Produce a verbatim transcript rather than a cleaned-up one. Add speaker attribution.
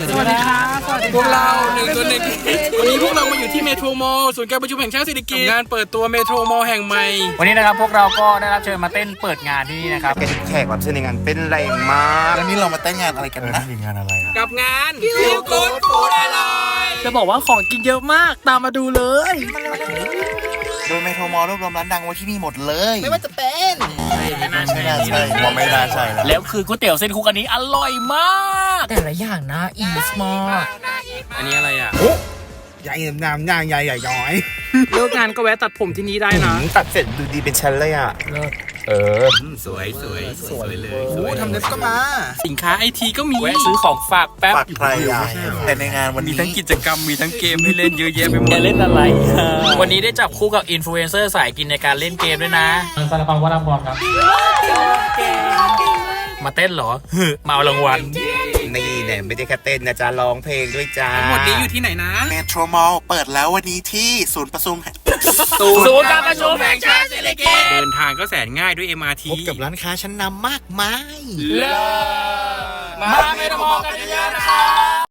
Speaker 1: สวัสดีครับพวกเราหนึ่งตัวหนึ่งวันนี้พวกเรามาอยู่ที่เมโทรมอลล์ศูนย์การประชุมแห่งชาติเศรษฐกิจงานเปิดตัวเมโทรมอลล์แห่งใหม่
Speaker 2: วันนี้นะครับพวกเราก็ได้รับเชิญมาเต้นเปิดงานที่นี่นะครับ
Speaker 3: เป็นแขกรับเชิญในงานเป็นแรงมาก
Speaker 4: แล้วนี่เรามาเต้นงานอะไรกันนะ
Speaker 3: งานอะไร
Speaker 1: กับงานคิวกูดฟูดอร่อย
Speaker 5: จะบอกว่าของกินเยอะมากตามมาดูเลย
Speaker 4: โดยเมโทรมอลล์รวบรวมร้านดังไว้ที่นี่หมดเลย
Speaker 5: ไม่ว่าจะเป็น
Speaker 4: ไม่น่าใช่ว่าไม่น่าใช่แล้ว
Speaker 2: แล้วคือก๋วยเตี๋ยวเส้นคุกอันนี้อร่อยมาก
Speaker 5: แต่ละอย่างนะอีสมอร์
Speaker 1: อันนี้อะไรอ่ะ
Speaker 4: ใหญ่น้ำย่างใหญ่ใหญ่ย้อย
Speaker 1: เลิกงานก็แวะตัดผมที่นี่ได้นะ
Speaker 3: ตัดเสร็จดูดีเป็นชั้นเลยอ่ะเออ
Speaker 1: สวยสวยสวยเลย
Speaker 4: โอ้ทำเล็บก็มา
Speaker 1: สินค้าไอทีก็มี
Speaker 2: แวะซื้อของฝากแป๊บ
Speaker 4: ฝากใครอ่ะแต่ในงานวันนี้
Speaker 1: มีทั้งกิจกรรมมีทั้งเกมให้เล่นเยอะแยะไปหมด
Speaker 2: จะเล่นอะไรวันนี้ได้จับคู่กับอินฟลูเอนเซอร์สายกินในการเล่นเกมด้วยนะสารพังวัฒนพรครับมาเต้นเหรอมาเอารางวัล
Speaker 3: นี่เนี่ยไม่ได้แค่เต้นนะจ๊ะร้องเพลงด้วยจ้า
Speaker 1: หมดนี้อยู่ที่ไหนนะ
Speaker 4: เมโทรมอลล์เปิดแล้ววันนี้ที่ศูนย์ประชุม
Speaker 2: ศูนย์การประชุมแห่งชาติเศรษฐกิจ
Speaker 1: เดินทางก็แสนง่ายด้วย เอ็ม อาร์ ที
Speaker 4: พบกับร้านค้าชั้นนำมากมาย
Speaker 2: มาเมโทรมอลล์กันเยอะๆนะครับ